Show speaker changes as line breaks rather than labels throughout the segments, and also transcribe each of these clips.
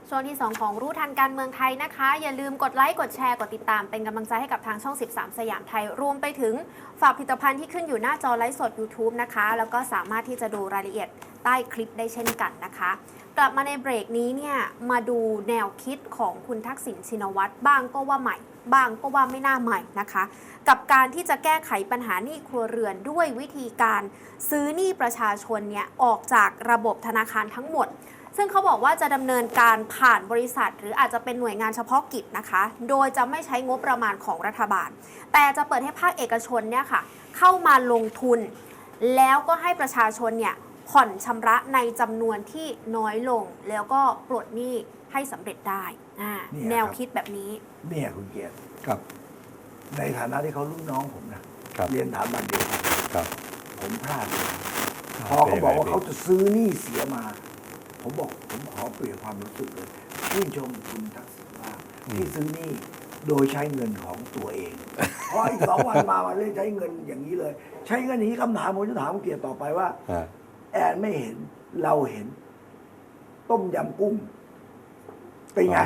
ช่วงที่ 2 ของรู้ทันการเมืองไทยนะคะ อย่าลืมกดไลค์กดแชร์กดติดตามเป็นกำลังใจให้กับทางช่อง 13 สยามไทยรวมไปถึงฝากผลิตภัณฑ์ที่ขึ้นอยู่หน้าจอไลฟ์สด YouTube นะคะแล้วก็สามารถที่จะดูรายละเอียดใต้คลิปได้เช่นกันนะคะกลับมาในเบรกนี้เนี่ยมาดูแนวคิดของคุณทักษิณชินวัตรบ้างก็ว่าใหม่บ้างก็ว่าไม่น่าใหม่นะคะกับการที่จะแก้ไขปัญหาหนี้ครัวเรือนด้วยวิธีการซื้อหนี้ประชาชนเนี่ยออกจากระบบธนาคารทั้งหมดซึ่งเขาบอกว่าจะดำเนินการผ่านบริษัทหรืออาจจะเป็นหน่วยงานเฉพาะกิจนะคะโดยจะไม่ใช้งบประมาณของรัฐบาลแต่จะเปิดให้ภาคเอกชนเนี่ยค่ะเข้ามาลงทุนแล้วก็ให้ประชาชนเนี่ยผ่อนชำระในจำนวนที่น้อยลงแล้วก็ปลดหนี้ให้สำเร็จได้แนวคิดแบบนี้
เนี่ยคุณเกียรติ
ครับ
ในฐานะที่เขารุ่นน้องผมนะเรียนถามบันเดียวกันผมพลาดพอเขาบอกว่าเขาจะซื้อหนี้เสียมาผมบอกผมขอเปลี่ยนความรู้สึกเลยชื่นชมคุณทักษิณว่าที่ซื้อหนี้โดยใช้เงินของตัวเองเพราะอีก2 วันมาเลยใช้เงินอย่างนี้เลย ใช้เงินอย่างนี้คำถามผมจะถามคุณเกียรติต่อไปว่าแอนไม่เห็นเราเห็น ต้มยำกุ้งเป็นไง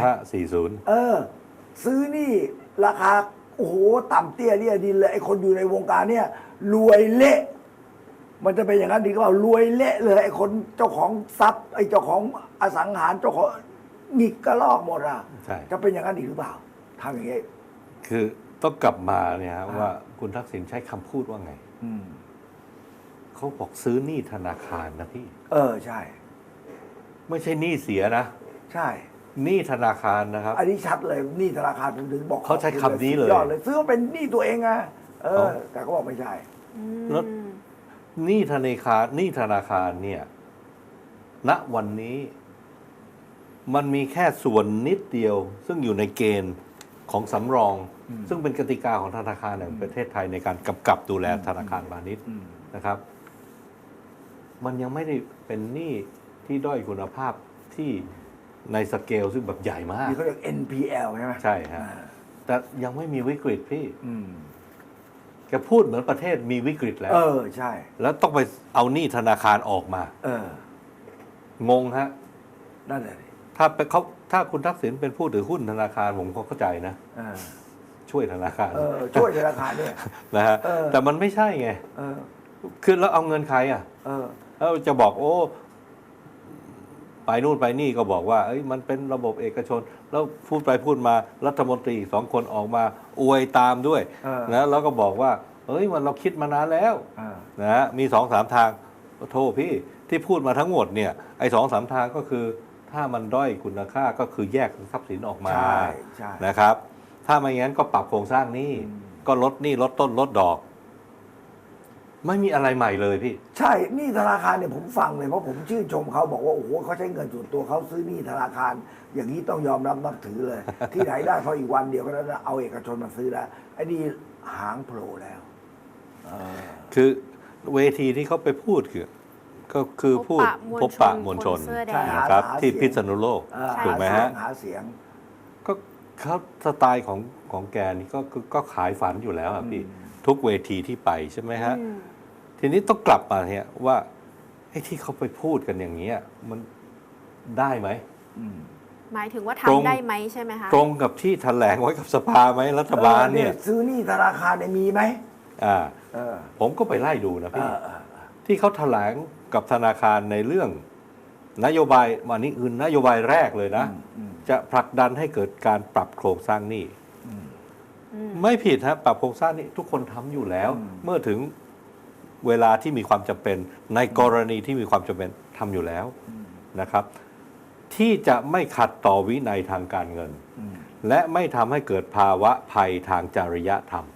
40
ซื้อนี่ราคาโอ้โหต่ำเตี้ยเลี่ยดินเลยไอ้คนอยู่ในวงการเนี่ยรวยเละมันจะเป็นอย่างนั้นดีก็เปล่ารวยเละเลยไอ้คนเจ้าของทรัพย์ไอ้เจ้าของอสังหารเจ้าของหงิกกระลอกหมดอ่ะจะเป็นอย่างนั้นอีกหรือเปล่าทำอย่างนี้
คือต้องกลับมาเนี่ยว่าคุณทักษิณใช้คำพูดว่าไงเขาบอกซื้อหนี้ธนาคารนะพี่
ใช่
ไม่ใช่หนี้เสียนะ
ใช่
หนี้ธนาคารนะครับ
อันนี้ชัดเลยหนี้ธนาคารผมถึงบอก
เขาใช้คำนี้เลย
ยอดเลยซื้อเป็นหนี้ตัวเองไงแต่เขาบอกไม่ใช่
แล้วหนี้ธนาคารเนี่ยณวันนี้มันมีแค่ส่วนนิดเดียวซึ่งอยู่ในเกณฑ์ของสำรองซึ่งเป็นกติกาของธนาคารแห่งประเทศไทยในการกำกับดูแลธนาคารพาณิชย์นะครับมันยังไม่ได้เป็นหนี้ที่ด้อยคุณภาพที่ในสเกลซึ่งแบบใหญ่มาก
ที่เขาเรียก NPL ใช่ไหม
ใช่ฮะแต่ยังไม่มีวิกฤตพี่แกพูดเหมือนประเทศมีวิกฤตแล้ว
ใช่
แล้วต้องไปเอาหนี้ธนาคารออกมางงฮะ
นั่นแหละ
ถ้าคุณทักษิณเป็นผู้ถือหุ้นธนาคารผมก็เข้าใจนะช่วยธนาคาร
ช่วยธนาคารเนี่ย
นะฮะแต่มันไม่ใช่ไงคือแล้วเอาเงินใครแล้วจะบอกโอ้ไปนู่นไปนี่ก็บอกว่ามันเป็นระบบเอกชนแล้วพูดไปพูดมารัฐมนตรี2 คนออกมาอวยตามด้วยนะแล้วก็บอกว่ามันเราคิดมานานแล้วนะมี2-3 ทางโทษพี่ที่พูดมาทั้งหมดเนี่ยไอ้2-3 ทางก็คือถ้ามันด้อยคุณค่าก็คือแยกทรัพย์สินออกมานะครับถ้าไม่งั้นก็ปรับโครงสร้างหนี้ก็ลดหนี้ลดต้นลดดอกไม่มีอะไรใหม่เลยพี่
ใช่หนี้ธนาคารเนี่ยผมฟังเลยเพราะผมชื่นชมเขาบอกว่าโอ้โหเขาใช้เงินส่วนตัวเขาซื้อหนี้ธนาคารอย่างนี้ต้องยอมรับนับถือเลย ที่ไหนได้พออีกวันเดียวก็แล้วเอาเอกชนมาซื้อแล้วไอ้นี่หางโผล่แล้ว
คือเวทีที่เขาไปพูดก็คือพูดพบปะมวลชนนะครับที่พิษณุโลกถูกไหมฮะ
หาเสียง
ก็เขาสไตล์ของแกนี่ก็ขายฝันอยู่แล้วครับพี่ทุกเวทีที่ไปใช่ไหมฮะทีนี้ต้องกลับมาเนี่ยว่าไอ้ที่เขาไปพูดกันอย่างนี้มันได้ไหม
หมายถึงว่าทำได้ไหมใช่ไหมคะ
ตรงกับที่แถลงไว้กับสภาไหมรัฐบาลเนี่ย
ซื้อหนี้ธนาคารมีไหม
ผมก็ไปไล่ดูนะพี่ที่เขาแถลงกับธนาคารในเรื่องนโยบายวันนี้คือนโยบายแรกเลยนะจะผลักดันให้เกิดการปรับโครงสร้างหนี้ไม่ผิดฮะปรับโครงสร้างนี้ทุกคนทำอยู่แล้วเมื่อถึงเวลาที่มีความจำเป็นในกรณีที่มีความจำเป็นทำอยู่แล้วนะครับที่จะไม่ขัดต่อวินัยทางการเงินและไม่ทำให้เกิดภาวะภัยทางจริยธรรม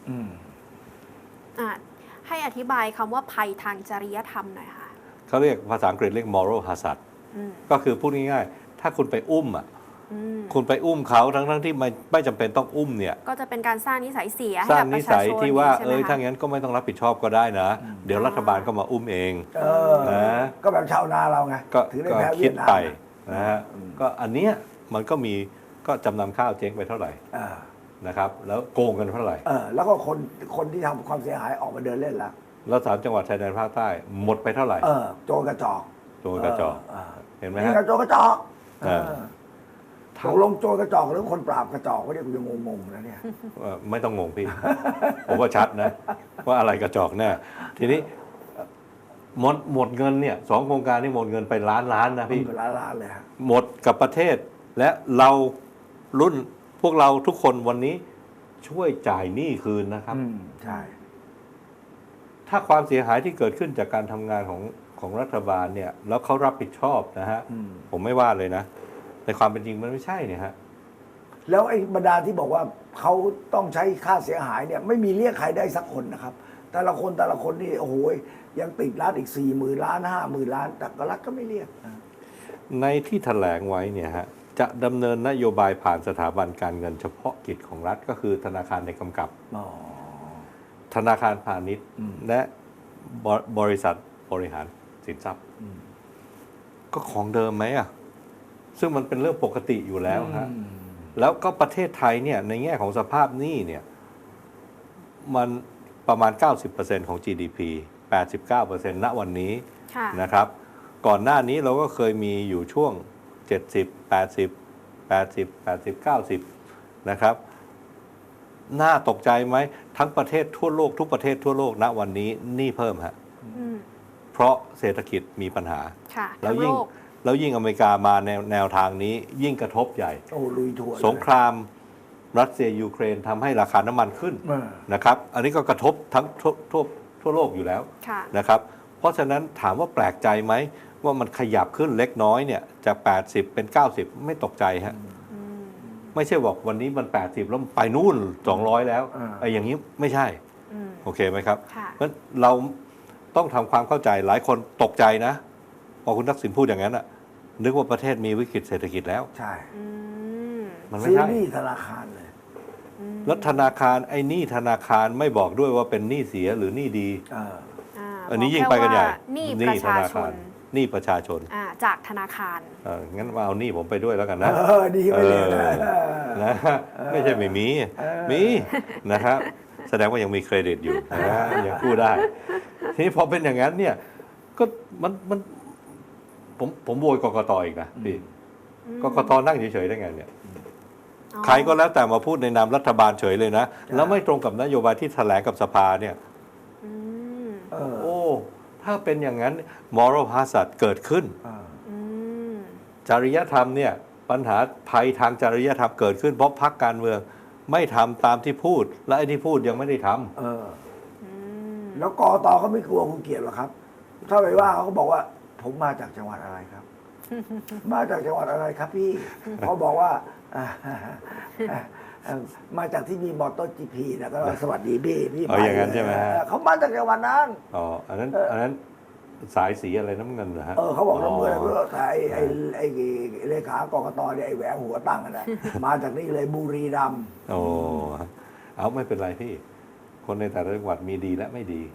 ให้อธิบายคำว่าภัยทางจริยธรรมหน่อยค่ะ
เขาเรียกภาษาอังกฤษเรียก moral hazard ก็คือพูดง่ายๆถ้าคุณไปอุ้มคุณไปอุ้มเขาทั้งที่ไม่จำเป็นต้องอุ้มเนี่ย
ก็จะเป็นการสร้างนิสัยเสีย
สร้างนิสัยที่ว่าถ้างั้นก็ไม่ต้องรับผิดชอบก็ได้นะเดี๋ยวรัฐบาลก็มาอุ้มเอง
นะก็แบบชาวนาเราไง
ถือได้แพ้คิดไปนะฮะก็อันเนี้ยมันก็มีก็จำนำข้าวเจ๊งไปเท่าไหร่นะครับแล้วโกงกันเท่าไหร่
แล้วก็คนที่ทำความเสียหายออกมาเดินเล่น
แล้ว3 จังหวัดชายแดนภาคใต้หมดไปเท่าไหร่
โจรกระจอก
เห็นไหมฮะ
โจรกระจอกตกลงโจรกระจอกหรือคนปราบกระจอกก็เนี่ยกูยังงงๆนะเนี่ย
ไม่ต้องงงพี่ ผมว่าชัดนะ ว่าอะไรกระจอกแน่ทีนี้หมดเงินเนี่ย2 โครงการนี่หมดเงินไปล้านนะพี่
ล้านเลยฮะ
หมดกับประเทศและเรารุ่นพวกเราทุกคนวันนี้ช่วยจ่ายหนี้คืนนะครับ
ใช่
ถ้าความเสียหายที่เกิดขึ้นจากการทำงานของรัฐบาลเนี่ยแล้วเขารับผิดชอบนะฮะผมไม่ว่าเลยนะแต่ความเป็นจริงมันไม่ใช่เนี่ยฮะ
แล้วไอ้บรรดาที่บอกว่าเขาต้องใช้ค่าเสียหายเนี่ยไม่มีเรียกใครได้สักคนนะครับแต่ละคนนี่โอ้โหยังติดรัฐอีก40,000 ล้าน50,000 ล้านแต่ก็รัฐก็ไม่เรียก
ในที่แถลงไว้เนี่ยฮะจะดำเนินนโยบายผ่านสถาบันการเงินเฉพาะกิจของรัฐก็คือธนาคารในกำกับธนาคารพาณิชย์และบริษัทบริหารสินทรัพย์ก็ของเดิมไหมอ่ะซึ่งมันเป็นเรื่องปกติอยู่แล้วฮะแล้วก็ประเทศไทยเนี่ยในแง่ของสภาพหนี้เนี่ยมันประมาณ 90% ของ GDP 89% ณวันนี้นะครับก่อนหน้านี้เราก็เคยมีอยู่ช่วง70 80 90นะครับน่าตกใจไหมทั้งประเทศทั่วโลกทุกประเทศทั่วโลกณวันนี้หนี้เพิ่มฮะเพราะเศรษฐกิจมีปัญหาแล้วยิ่งอเมริกามาแนวทางนี้ยิ่งกระทบใหญ่
ลุยทั่ว
สงครามรัสเซียยูเครนทำให้ราคาน้ำมันขึ้นนะครับอันนี้ก็กระทบทั้งทั่วโลกอยู่แล้วนะครับเพราะฉะนั้นถามว่าแปลกใจไหมว่ามันขยับขึ้นเล็กน้อยเนี่ยจาก80เป็น90ไม่ตกใจฮะไม่ใช่บอกวันนี้มัน80แล้วไปนู่น200แล้วไอ้อย่างนี้ไม่ใช่โอเคไหมครับเพราะเราต้องทำความเข้าใจหลายคนตกใจนะพอคุณทักษิณพูดอย่างนั้นอ่ะนึกว่าประเทศมีวิกฤตเศรษฐกิจแล้ว
ใช่
มันไม่ใช่
หนี้ธนาคารเลย
แล้วธนาคารไอ้หนี้ธนาคารไม่บอกด้วยว่าเป็นหนี้เสียหรือหนี้ดีอันนี้ยิ่งไปกันใหญ่
หนี้ธนาคาร
หนี้ประชาชน
จากธนาคาร
งั้นมาเอาหนี้ผมไปด้วยแล้วกันนะ
ดีไปเลย
นะไม่ใช่ไม่มีมีนะครับแสดงว่ายังมีเครดิตอยู่นะยังกู้ได้ทีนี้พอเป็นอย่างนั้นเนี่ยก็มันผมโวยกกต.อีกนะพี่กกต.นั่งเฉยๆได้ไงเนี่ยใครก็แล้วแต่มาพูดในนามรัฐบาลเฉยเลยนะแล้วไม่ตรงกับนโยบายที่แถลงกับสภาเนี่ยโอ้ถ้าเป็นอย่างนั้นmoral hazard เกิดขึ้นจริยธรรมเนี่ยปัญหาภัยทางจริยธรรมเกิดขึ้นเพราะพรรคการเมืองไม่ทำตามที่พูดและไอ้ที่พูดยังไม่ได้ท
ำแล้วกต.เขาไม่กลัวคุณเกียรติหรอครับถ้าไปว่าเขาบอกว่าผมมาจากจังหวัดอะไรครับ มาจากจังหวัดอะไรครับพี่เขาบอกว่ามาจากที่มีมอเตอร์GPนะก็สวัสดีพี่
ไปอย่างนั้นใช่ไหม
เขามาจากจังหวัดนั้น
อันนั้นสายสีอะไรน้ำเงินเหรอฮะ
เขาบอกน้ำเงินเพื่อไอ้เลขากกตเนี่ยไอ้แหวงหัวตั้งนะมาจากนี่เลยบุรีรัมย์
เอาไม่เป็นไรพี่คนในแต่ละจังหวัดมีดีและไม่ดี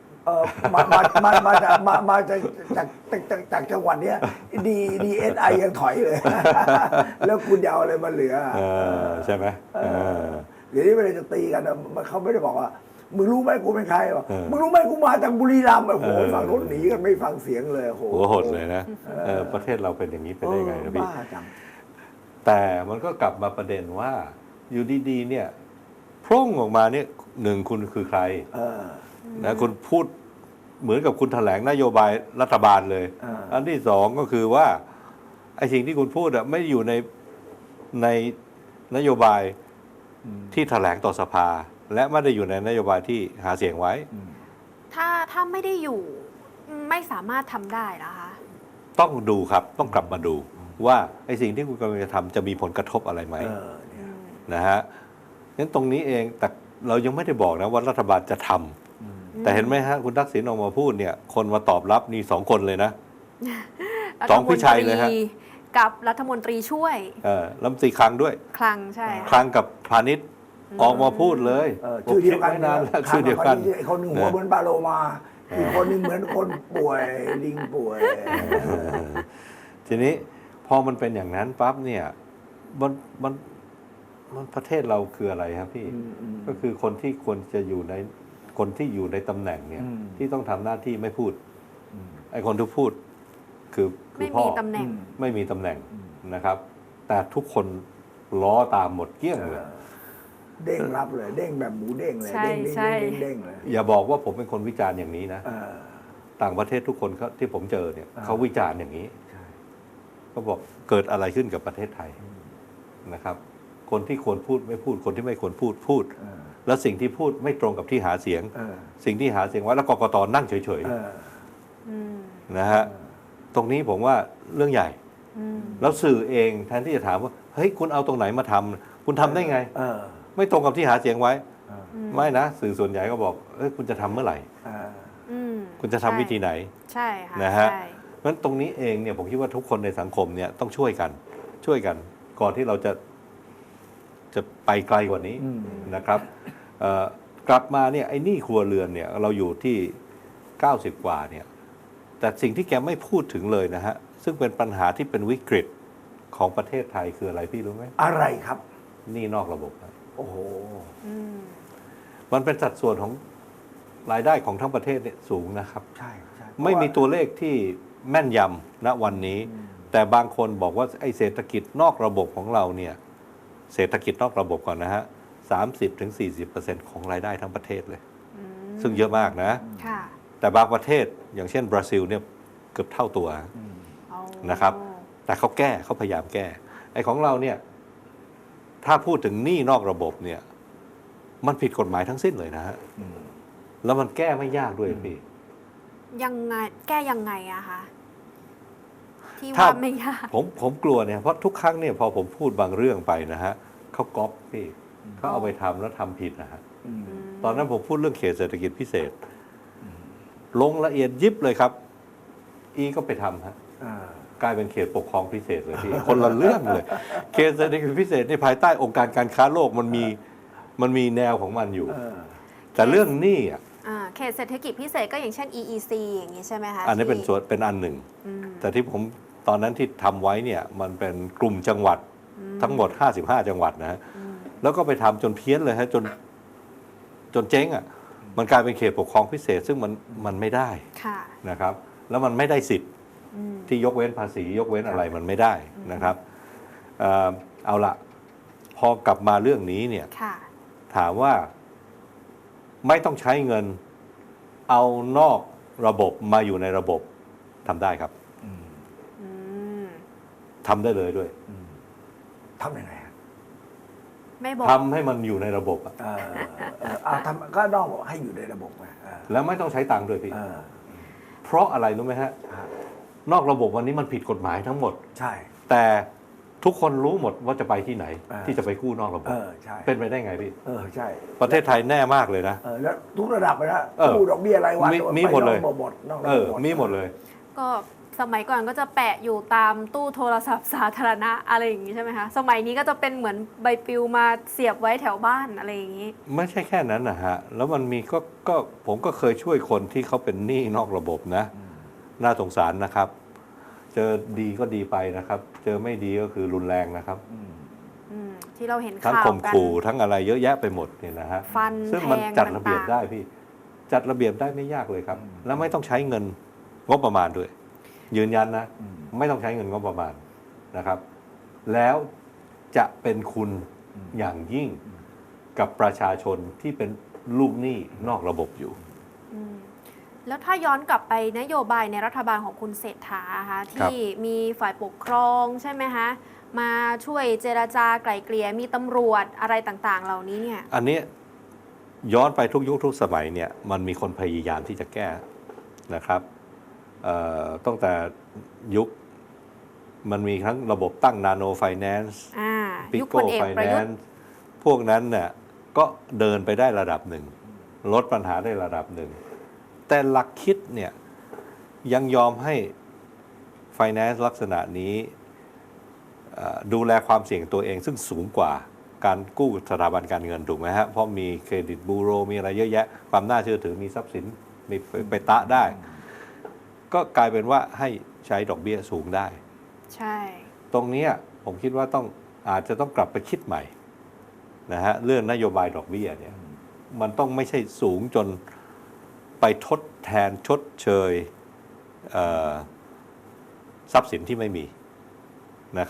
มาจากจังหวัดเนี้ยDSI ยังถอยเลยแล้วคุณจะเอาอะไรมาเหลือ
ใช่ไหม
เดี๋ยวนี้เวลาจะตีกันเขาไม่ได้บอกว่ามึงรู้ไหมกูเป็นใครวะมึงรู้ไหมกูมาจากบุรีรัมย์โอ้โหฝั่งรถหนีกันไม่ฟังเสียงเลยโ
หดเลยนะประเทศเราเป็นอย่างนี้ไปได้ไงนะพี่แต่มันก็กลับมาประเด็นว่าอยู่ดีๆเนี่ยพร่งออกมาเนี่ยหนึ่งคุณคือใครนะคุณพูดเหมือนกับคุณแถลงนโยบายรัฐบาลเลยอันที่สองก็คือว่าไอ้สิ่งที่คุณพูดไม่อยู่ในนโยบายที่แถลงต่อสภาและไม่ได้อยู่ในนโยบายที่หาเสียงไว้
ถ้าไม่ได้อยู่ไม่สามารถทำได้นะคะ
ต้องดูครับต้องกลับมาดูว่าไอ้สิ่งที่คุณกำลังจะทำจะมีผลกระทบอะไรไหมนะฮะงั้นตรงนี้เองแต่เรายังไม่ได้บอกนะว่ารัฐบาลจะทำแต่เห็นไหมฮะคุณทักษิณออกมาพูดเนี่ยคนมาตอบรับนี่2 คนเลยนะ2พี่ชัยเลยฮะ
กับรัฐมนตรีช่วย
รัฐมนตรีคลังด้วย
คลังใช่
คลังกับพาณิชย์ออกมาพูดเลย
ชื่อเดียวกัน
นานแล้วชื่อเดียวกัน
คนหนึ่งหัวเหมือนปลาโลมาอีกคนนึงเหมือนคนป่วยลิงป่วย
ทีนี้พอมันเป็นอย่างนั้นปั๊บเนี่ยมันประเทศเราคืออะไรครับพี่ก็คือคนที่ควรจะอยู่ในคนที่อยู่ในตำแหน่งเนี่ยที่ต้องทำหน้าที่ไม่พูดไอ้คนที่พูดคือ
พ่อไม่มีตำแหน่ง
นะครับแต่ทุกคนล้อตามหมดเกลี้ยงเลย
เด้งรับเลย เด้งแบบหมูเด้งเลย
ใช่
เด้ง
ใช่
เด้งเด้งเลย
อย่าบอกว่าผมเป็นคนวิจารณ์อย่างนี้นะ
เออ
ต่างประเทศทุกคนเขาที่ผมเจอเนี่ย
อ่า
เขาวิจารณ์อย่างนี้
ใช่
ก็บอกเกิดอะไรขึ้นกับประเทศไทยนะครับ คนที่ควรพูดไม่พูด คนที่ไม่ควรพูดพูด
เออ
แล้วสิ่งที่พูดไม่ตรงกับที่หาเสียง
เออ
สิ่งที่หาเสียงไว้แล้วกกตนั่งเฉย
เออ
อืม
ๆนะฮะตรงนี้ผมว่าเรื่องใหญ่
อืม
แล้วสื่อเองแทนที่จะถามว่าเฮ้ยคุณเอาตรงไหนมาทำคุณทำได้ไง
เออ
ไม่ตรงกับที่หาเสียงไว้
เออ
ไม่นะ สื่อส่วนใหญ่ก็บอกเอ้ยคุณจะทำเมื่อไหร่
เออ
อืม
คุณจะทำวิธีไหน
ใช่ค่ะ
นะฮะ
ใช่
เพราะฉะนั้นตรงนี้เองเนี่ยผมคิดว่าทุกคนในสังคมเนี่ยต้องช่วยกันก่อนที่เราจะไปไกลกว่านี้
อืม
นะครับกลับมาเนี่ยไอ้หนี้ครัวเรือนเนี่ยเราอยู่ที่90กว่าเนี่ยแต่สิ่งที่แกไม่พูดถึงเลยนะฮะซึ่งเป็นปัญหาที่เป็นวิกฤตของประเทศไทยคืออะไรพี่รู้ไหม
อะไรครับ
หนี้นอกระบบครับ
โอ้โห
อืม
มันเป็นสัดส่วนของรายได้ของทั้งประเทศเนี่ยสูงนะครับ
ใช่ใช่
ไม่มีตัวเลขที่แม่นยำณวันนี้ แต่บางคนบอกว่าไอ้เศรษฐกิจนอกระบบของเราเนี่ยเศรษฐกิจนอกระบบก่อนนะฮะ30-40% ของรายได้ทั้งประเทศเลย
อืม
ซึ่งเยอะมากนะ
ค่ะ
แต่บางประเทศอย่างเช่นบราซิลเนี่ยเกือบเท่าตัว
เอา
นะครับ แต่เขาพยายามแก้ไอ้ของเราเนี่ยถ้าพูดถึงหนี้นอกระบบเนี่ยมันผิดกฎหมายทั้งสิ้นเลยนะฮะ
อืม
แล้วมันแก้ไม่ยากด้วยพี่
ยังไงแก้ยังไงอะคะที่
ถ้า
ว่าไม่ยาก
ผมกลัวเนี่ยเพราะทุกครั้งเนี่ยพอผมพูดบางเรื่องไปนะฮะเขาก๊อปพี่เขาเอาไปทำแล้วทำผิดนะฮะ
อืม
ตอนนั้นผมพูดเรื่องเขตเศรษฐกิจพิเศษ ลงละเอียดยิบเลยครับ อีก็ไปทำฮะ
อ่า
กลายเป็นเขตปกครองพิเศษเลยพี่ คนละเรื่องเลย เขตเศรษฐกิจพิเศษในภายใต้องค์การการค้าโลกมันมีแนวของมันอยู่
เออ
แต่เรื่องหนี้อ่ะ
เขตเศรษฐกิจพิเศษก็อย่างเช่น EEC อย่างนี้ใช่ไหมคะ
อันนี้เป็น
ที่
ส่วนเป็นอันหนึ่ง
อืม
แต่ที่ผมตอนนั้นที่ทำไว้เนี่ยมันเป็นกลุ่มจังหวัดทั้งหมด55จังหวัดนะฮะ
อืม
แล้วก็ไปทำจนเพี้ยนเลยฮะจนเจ๊งอ่ะมันกลายเป็นเขตปกครองพิเศษ ซึ่งมันไม่ได้
ค่ะ
นะครับ แล้วมันไม่ได้สิทธิ์
อืม
ที่ยกเว้นภาษียกเว้นอะไรมันไม่ได้นะครับเอาละพอกลับมาเรื่องนี้เนี่ย
ค่ะ
ถามว่าไม่ต้องใช้เงินเอานอกระบบมาอยู่ในระบบทำได้ครับ
อืม
อืม
ทำได้เลยด้วย
อืมทำยังไงฮะ
ไม่บอก
ทำให้มันอยู่ในระบบอะ
เอาทำก็นอกบอกให้อยู่ในระบบไงเ
แล้วไม่ต้องใช้ตังค์ด้วยพี่
เออ
เพราะอะไรรู้ไหมฮะ
ฮะ
นอกระบบวันนี้มันผิดกฎหมายทั้งหมด
ใช่
แต่ทุกคนรู้หมดว่าจะไปที่ไหน
อ่า
ที่จะไปกู้นอกระบบ
ใช่
เป็นไปได้ไงพี่
ใช่
ประเทศไทยแน่มากเลยนะ
แล้วทุกระดับเลยนะ
เออ
กู้ดอกเบี้ยรายวัน
มีหมดเลย
ไปนอกระบบหมดนอกระ
เอ
บบ
อมีหมดเลย
ก็สมัยก่อนก็จะแปะอยู่ตามตู้โทรศัพท์สาธารณะอะไรอย่างนี้ใช่ไหมคะ สมัยนี้ก็จะเป็นเหมือนใบปลิวมาเสียบไว้แถวบ้านอะไรอย่างนี้
ไม่ใช่แค่นั้นนะฮะ แล้วมันมีก็ผมก็เคยช่วยคนที่เขาเป็นหนี้นอกระบบนะ น่าสงสารนะครับ เจอดีก็ดีไปนะครับ เจอไม่ดีก็คือรุนแรงนะครับ
ที่เราเห็น
ทั้ง
ข่าว
ข่ม
กัน
ขู่ทั้งอะไรเยอะแยะไปหมดเนี่ยนะฮะ
ฟัน
ซึ่ง
แท
มัน
ง
จัดระเบียบ
ต่างๆ
ได้พี่ จัดระเบียบได้ไม่ยากเลยครับ แล้วไม่ต้องใช้เงินงบประมาณด้วย ยืนยันนะ ไม่ต้องใช้เงินงบประมาณนะครับ แล้วจะเป็นคุณอย่างยิ่งกับประชาชนที่เป็นลูกหนี้นอกระบบอยู่
อืมแล้วถ้าย้อนกลับไปนโยบายในรัฐบาลของคุณเศรษฐาคะที่มีฝ่ายปกครองใช่ไหมคะมาช่วยเจรจาไกล่เกลี่ยมีตำรวจอะไรต่างๆ เหล่านี้เนี่ย
อันนี้ย้อนไปทุกยุคทุกสมัยเนี่ยมันมีคนพยายามที่จะแก้นะครับตั้งแต่ยุคมันมีทั้งระบบตั้งนาโนไฟแนนซ์ ปิ
ยุคพ
โก้
ลเอก
ไฟ
ประ
แน
ยุท
น
ธ์
ซ์พวกนั้นเนี่ยก็เดินไปได้ระดับหนึ่ง ลดปัญหาได้ระดับหนึ่ง แต่หลักคิดเนี่ยยังยอมให้ไฟแนนซ์ลักษณะนี้ดูแลความเสี่ยงตัวเองซึ่งสูงกว่าการกู้สถาบันการเงินถูกไหมฮะ เพราะมีเครดิตบูโรมีอะไรเยอะแยะ ความน่าเชื่อถือมีทรัพย์สินมีไปตะได้ ก็กลายเป็นว่าให้ใช้ดอกเบี้ยสูงได้
ใช่
ตรงเนี้ยผมคิดว่าอาจจะต้องกลับไปคิดใหม่นะฮะเรื่องนโยบายดอกเบี้ยเนี่ยมันต้องไม่ใช่สูงจนไปทดแทนชดเชยทรัพย์สินที่ไม่มีนะครับ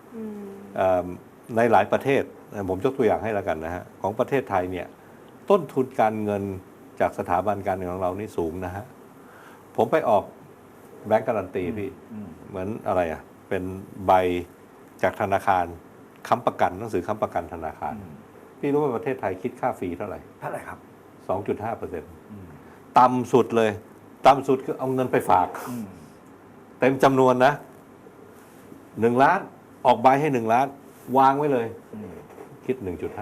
อืม
ในหลายประเทศผมยกตัวอย่างให้แล้วกันนะฮะของประเทศไทยเนี่ยต้นทุนการเงินจากสถาบันการเงินของเรานี่สูงนะฮะผมไปออกแบงก์การันตีพี่เหมือนอะไรอ่ะเป็นใบจากธนาคารค้ำประกันหนังสือค้ำประกันธนาคารพี่รู้ว่าประเทศไทยคิดค่าฟรีเท่าไหร่
เท่าไหร่ครับ
2.5%ต่ำสุดเลยต่ำสุดคือเอาเงินไปฝากเต็มจำนวนนะ1 ล้านออกใบให้1 ล้านวางไว้เลยคิด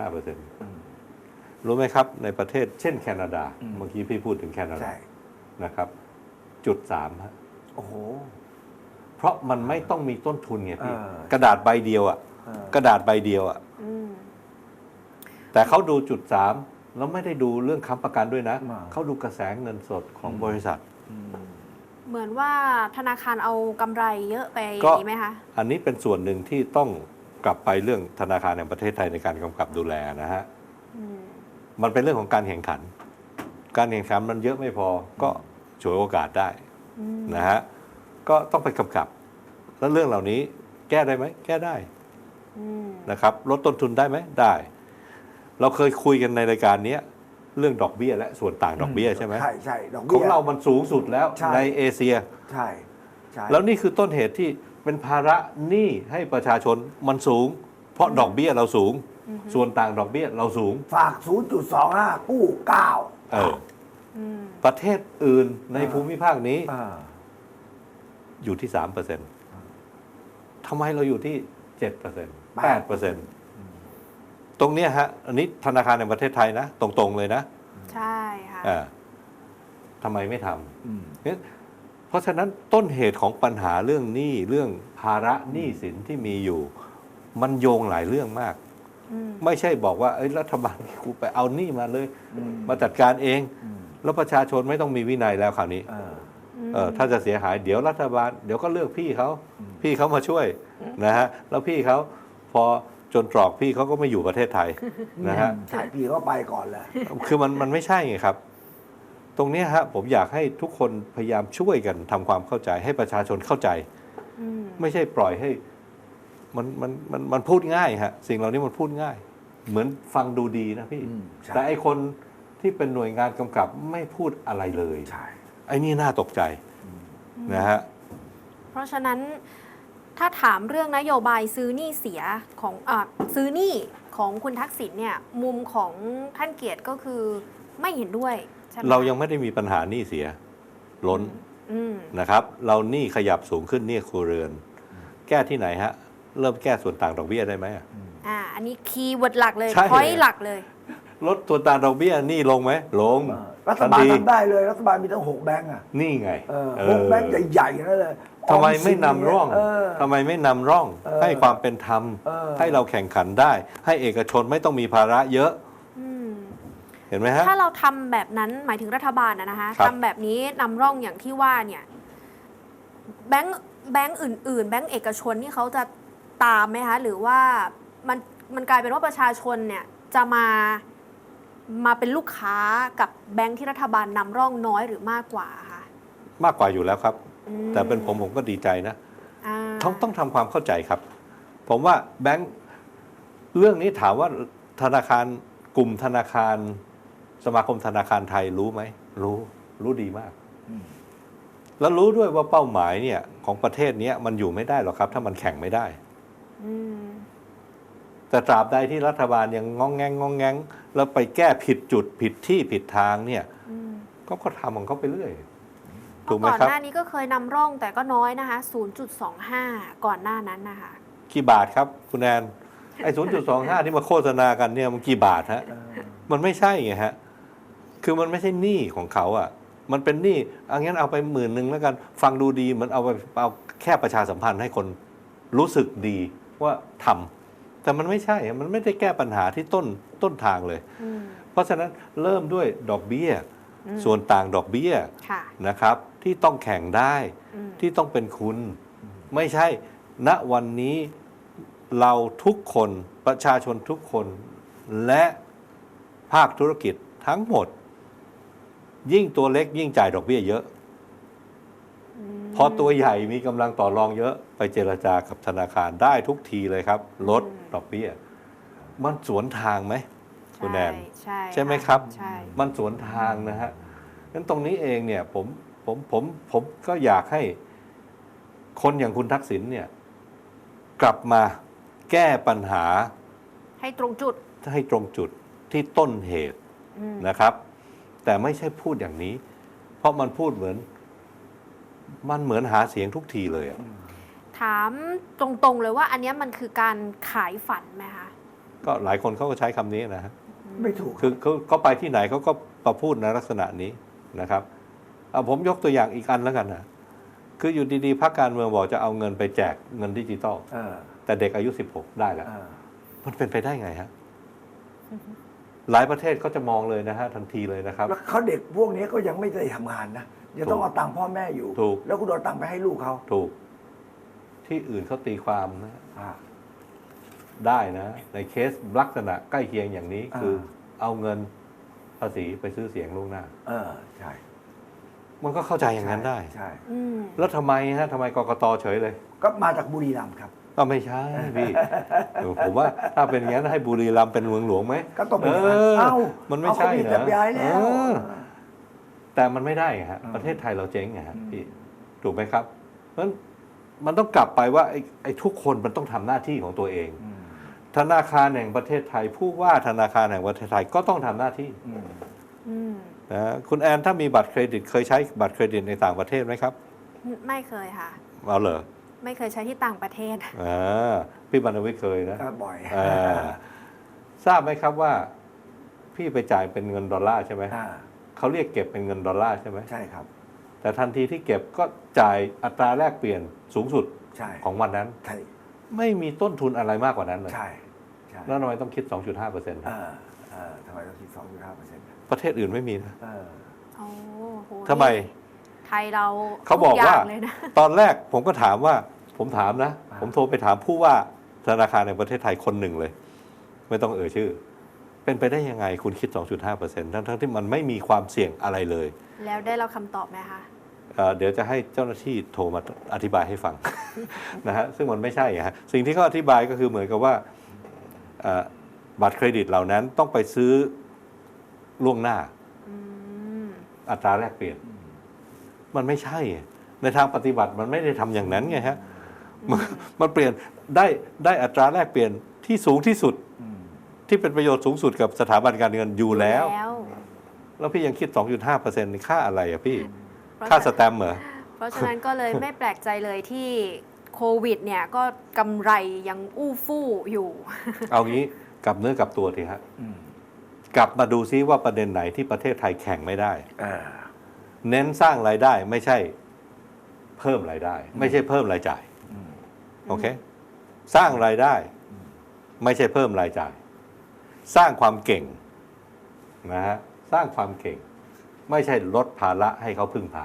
1.5%รู้ไหมครับในประเทศเช่นแคนาดาเมื่อกี้พี่พูดถึงแคนาดานะครับ0.3ฮะ
โอ้โห
เพราะมันไม่ต้องมีต้นทุนไงพี่กระดาษใบเดียวอ่ะกระดาษใบเดียวอ่ะแต่เขาดู0.3แล้วไม่ได้ดูเรื่องค้ำประกันด้วยนะเขาดูกระแสเงินสดของบริษัท
เหมือนว่าธนาคารเอากำไรเยอะไปอ
ก็
ย่างนี้ไหมคะ
อันนี้เป็นส่วนหนึ่งที่ต้องกลับไปเรื่องธนาคารแห่งประเทศไทยในการกำกับดูแลนะฮะมันเป็นเรื่องของการแข่งขัน การแข่งขันมันเยอะไม่พอก็ฉวยโอกาสได้นะฮะก็ต้องไปกำกับ แล้วเรื่องเหล่านี้แก้ได้ไหมแก้ได้นะครับลดต้นทุนได้ไหมได้ เราเคยคุยกันในรายการนี้เรื่องดอกเบี้ยและส่วนต่างดอกเบี้ยใช่ไหม
ใช่ใช่ดอก
ข
เบี้
อย งเรามันสูงสุดแล้ว
ใช่
ในเอเชีย
ใช่ใช่
แล้วนี่คือต้นเหตุที่เป็นภาระหนี้ให้ประชาชนมันสูง เพราะดอกเบี้ยเราสูง ส่วนต่างดอกเบี้ยเราสูง
ฝาก 0.25 กู้ 9
ประเทศอื่นในภูมิภาคนี้อยู่ที่ 3%ทำไมเราอยู่ที่ 7% 8%ตรงเนี้ยฮะอันนี้ธนาคารในประเทศไทยนะตรงๆเลยนะ
ใช่ค่ะ
ทำไมไม่ทำเพราะฉะนั้นต้นเหตุของปัญหาเรื่องหนี้เรื่องภาระหนี้สินที่มีอยู่ มันโยงหลายเรื่องมากไม่ใช่บอกว่ารัฐบาลกูไปเอาหนี้มาเลยมาจัดการเองแล้วประชาชนไม่ต้องมีวินัยแล้วคราวนี้ถ้าจะเสียหายเดี๋ยวรัฐบาลเดี๋ยวก็เลือกพี่เขามาช่วยนะฮะแล้วพี่เขาพอจนตรอกพี่เขาก็ไม่อยู่ประเทศไทยนะฮะ
ใช่พี่ก็ไปก่อนเลย
คือมันไม่ใช่ไงครับ ตรงนี้ฮะผมอยากให้ทุกคนพยายามช่วยกันทำความเข้าใจให้ประชาชนเข้าใจไม่ใช่ปล่อยให้มันพูดง่ายฮะสิ่งเหล่านี้มันพูดง่าย เหมือนฟังดูดีนะพี่แต่ไอคนที่เป็นหน่วยงานกำกับไม่พูดอะไรเลยไอ้นี่น่าตกใจนะฮะ
เพราะฉะนั้นถ้าถามเรื่องนโยบายซื้อหนี้เสียของซื้อหนี้ของคุณทักษิณเนี่ยมุมของท่านเกียรติก็คือไม่เห็นด้วยใช่ไหม
เรายังไม่ได้มีปัญหาหนี้เสียล้นนะครับ เราหนี้ขยับสูงขึ้นหนี้ครัวเรือน แก้ที่ไหนฮะเริ่มแก้ส่วนต่างดอกเบี้ยได้ไหม
อันนี้คีย์เวิร์ดหลักเลย
ใช่
พอยต์หลักเลย
ลดส่วนต่างดอกเบี้ยหนี้ลงไหมลง
รัฐบาลทำได้เลยรัฐบาลมีตั้ง6 แบงก์อ่ะ
นี่ไง
6 แบงก์ใหญ่ๆนั่นเลย
ทำไมไม่นำร่องทำไมไม่นำร่องให้ความเป็นธรรมให้เราแข่งขันได้ ให้เอกชนไม่ต้องมีภาระเยอะเห็นไหมฮะ
ถ้าเราทำแบบนั้นหมายถึงรัฐบาลนะคะ
ครับ
ทำแบบนี้นำร่องอย่างที่ว่าเนี่ยแบงก์อื่นๆ แบงก์เอกชนนี่เขาจะตามไหมคะหรือว่ามันกลายเป็นว่าประชาชนเนี่ยจะมาเป็นลูกค้ากับแบงก์ที่รัฐบาลนำร่องน้อยหรือมากกว่าคะ
มากกว่าอยู่แล้วครับ แต่เป็นผมก็ดีใจนะ ต้องทำความเข้าใจครับ ผมว่าแบงก์เรื่องนี้ถามว่าธนาคารกลุ่มธนาคารสมาคมธนาคารไทยรู้ไหมรู้ดีมาก แล้วรู้ด้วยว่าเป้าหมายเนี่ยของประเทศนี้มันอยู่ไม่ได้หรอกครับ ถ้ามันแข่งไม่ได้แต่ตราบใดที่รัฐบาลยังงองแงงแล้วไปแก้ผิดจุดผิดที่ผิดทางเนี่ยก็ทำของเขาไปเรื่อยถูกไหม
ก่อน
ครับ
หน้านี้ก็เคยนำร่องแต่ก็น้อยนะคะ 0.25 ก่อนหน้านั้นนะคะ
กี่บาทครับคุณแอนไอ้ 0.25 ที่มาโฆษณากันเนี่ยมันกี่บาทฮะมันไม่ใช่ไงฮะคือมันไม่ใช่หนี้ของเขาอ่ะมันเป็นหนี้งั้นเอาไป10,000แล้วกันฟังดูดีเหมือนเอาแค่ประชาสัมพันธ์ให้คนรู้สึกดีว่าทำแต่มันไม่ใช่มันไม่ได้แก้ปัญหาที่ต้นทางเลยเพราะฉะนั้นเริ่มด้วยดอกเบี้ยส่วนต่างดอกเบี้ยนะครับที่ต้องแข่งได้ที่ต้องเป็นคุณไม่ใช่ณวันนี้เราทุกคนประชาชนทุกคนและภาคธุรกิจทั้งหมดยิ่งตัวเล็กยิ่งจ่ายดอกเบี้ยเยอะพพอตัวใหญ่มีกำลังต่อรองเยอะไปเจรจากับธนาคารได้ทุกทีเลยครับลดดอกเบี้ยมันสวนทางไหมคุณแนน ใช่ไหมครับ
ใช่
มันสวนทางนะฮะงั้นตรงนี้เองเนี่ยผมก็อยากให้คนอย่างคุณทักษิณเนี่ยกลับมาแก้ปัญหา
ให้ตรงจุด
ให้ตรงจุดที่ต้นเหตุนะครับ แต่ไม่ใช่พูดอย่างนี้ เพราะมันพูดเหมือนหาเสียงทุกทีเลยอะ
ถามตรงๆเลยว่าอันเนี้ยมันคือการขายฝันไหมคะ
ก็หลายคนเขาก็ใช้คำนี้นะฮะ
ไม่ถูก
คือเขาไปที่ไหนเขาก็ประพูดในลักษณะนี้นะครับเอาผมยกตัวอย่างอีกอันแล้วกันนะคืออยู่ดีๆพรรคการเมืองบอกจะเอาเงินไปแจกเงินดิจิตอลแต่เด็กอายุ 16 ได้แล้วมันเป็นไปได้ไงฮะหลายประเทศก็จะมองเลยนะฮะทันทีเลยนะครับ
แล้วเขาเด็กพวกนี้ก็ยังไม่ได้ทำงานนะยังต้องเอาตังค์พ่อแม่อยู่
ถูก
แล้วคุณเอาตังค์ไปให้ลูกเขา
ถูกที่อื่นเขาตีความนะได้นะ ในเคสลักษณะใกล้เคียงอย่างนี้คือเอาเงินภาษีไปซื้อเสียงล่วงหน้า
ใช่
มันก็เข้าใจอย่างนั้นได้
ใช่
แล้วทำไมกกตเฉยเลย
ก็มาจากบุรีรัมย์ครับ
ก็ไม่ใช่พี่ผมว่าถ้าเป็นอย่างนั้นให้บุรีรัมย์เป็นเมืองหลวงไหม
ก็ต้องเป็นอย่างนั้น
มันไม่ใช่
นะย้ายแล้ว
แต่มันไม่ได้ฮะประเทศไทยเราเจ๊งไงฮะพี่ถูกไหมครับเพราะฉะนั้นมันต้องกลับไปว่าไอ้ทุกคนมันต้องทำหน้าที่ของตัวเองธนาคารแห่งประเทศไทยผู้ว่าธนาคารแห่งประเทศไทยก็ต้องทำหน้าที่นะคุณแอนถ้ามีบัตรเครดิตเคยใช้บัตรเครดิตในต่างประเทศไหมครับ
ไม่เคยค่ะ
เอาเหรอ
ไม่เคยใช้ที่ต่างประเทศ
พี่บรรณวิทย์เคยนะ
บ่อย
ทราบไหมครับว่าพี่ไปจ่ายเป็นเงินดอลลาร์ใช่ไหมเขาเรียกเก็บเป็นเงินดอลลาร์ใช่ไหม
ใช่ครับ
แต่ทันทีที่เก็บก็จ่ายอัตราแลกเปลี่ยนสูงสุดของวันนั้นไม่มีต้นทุนอะไรมากกว่านั้นเลย
ใช่
แล้วทำไมต้องคิด 2.5%
ทำไมต้องคิด 2.5%
ประเทศอื่นไม่มีนะทำ
ทำ
ไม
ไทยเรา
เขาบอกว่าตอนแรกผมก็ถามว่าผมถามนะผมโทรไปถามผู้ว่าธนาคารในประเทศไทยคนหนึ่งเลยไม่ต้องเอ่ยชื่อเป็นไปได้ยังไงคุณคิด 2.5% ทั้งที่มันไม่มีความเสี่ยงอะไรเลย
แล้วได้เราคำตอบไหมคะ
เดี๋ยวจะให้เจ้าหน้าที่โทรมาอธิบายให้ฟัง นะฮะซึ่งมันไม่ใช่ฮะสิ่งที่เขาอธิบายก็คือเหมือนกับว่าบัตรเครดิตเหล่านั้นต้องไปซื้อล่วงหน้าอัตราแลกเปลี่ยนมันไม่ใช่ในทางปฏิบัติมันไม่ได้ทำอย่างนั้นไงฮะมันเปลี่ยนได้อัตราแลกเปลี่ยนที่สูงที่สุดที่เป็นประโยชน์สูงสุดกับสถาบันการเงินอยู่แล้วแล้วพี่ยังคิด 2.5% ในค่าอะไรอะพี่ค่าสแตมป์เหรอ
เพราะฉะนั้นก็เลยไม่แปลกใจเลยที่โควิดเนี่ยก็กำไรยังอู้ฟู่อยู่
เอางี้กลับเนื้อกลับตัวทีฮะกลับมาดูซิว่าประเด็นไหนที่ประเทศไทยแข่งไม่ได้เน้นสร้างรายได้ไม่ใช่เพิ่มรายได้ไม่ใช่เพิ่มรายจ่ายโอเคสร้างรายได้ไม่ใช่เพิ่มรายจ่ายสร้างความเก่งนะฮะสร้างความเก่งไม่ใช่ลดภาระให้เขาพึ่งพา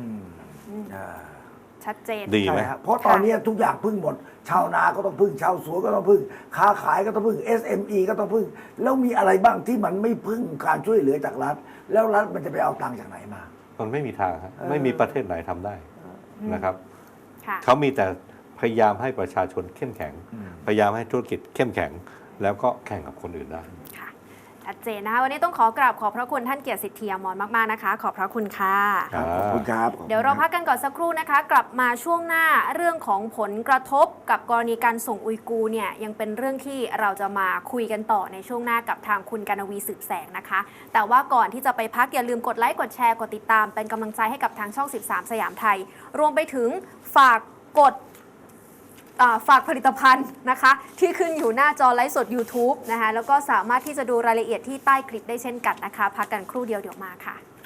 ชัดเจน
ดีไหม
เพราะตอนนี้ทุกอย่างพึ่งหมดชาวนาก็ต้องพึ่งชาวสวนก็ต้องพึ่งค้าขายก็ต้องพึ่ง SME ก็ต้องพึ่งแล้วมีอะไรบ้างที่มันไม่พึ่งการช่วยเหลือจากรัฐแล้วรัฐมันจะไปเอาตังค์จากไหนมา
มันไม่มีทางครับไม่มีประเทศไหนทำได้นะครับเขามีแต่พยายามให้ประชาชนเข้มแข็งพยายามให้ธุรกิจเข้มแข็งแล้วก็แข่งกับคนอื่นได้
ชัดเจนนะคะวันนี้ต้องขอกราบขอบพระคุณท่านเกียรติสิทธิอมรมากๆนะคะขอบพระคุณค่ะ
ขอบคุณครับ
เดี๋ยวเราพักกันก่อนสักครู่นะคะกลับมาช่วงหน้าเรื่องของผลกระทบกับกรณีการส่งอุยกูร์เนี่ยยังเป็นเรื่องที่เราจะมาคุยกันต่อในช่วงหน้ากับทางคุณกนวีสืบแสงนะคะแต่ว่าก่อนที่จะไปพักอย่าลืมกดไลค์กดแชร์กดติดตามเป็นกำลังใจให้กับทางช่อง13สยามไทยรวมไปถึงฝากกดฝากผลิตภัณฑ์นะคะที่ขึ้นอยู่หน้าจอไลฟ์สด YouTube นะคะแล้วก็สามารถที่จะดูรายละเอียดที่ใต้คลิปได้เช่นกันนะคะพักกันครู่เดียวเดี๋ยวมาค่ะ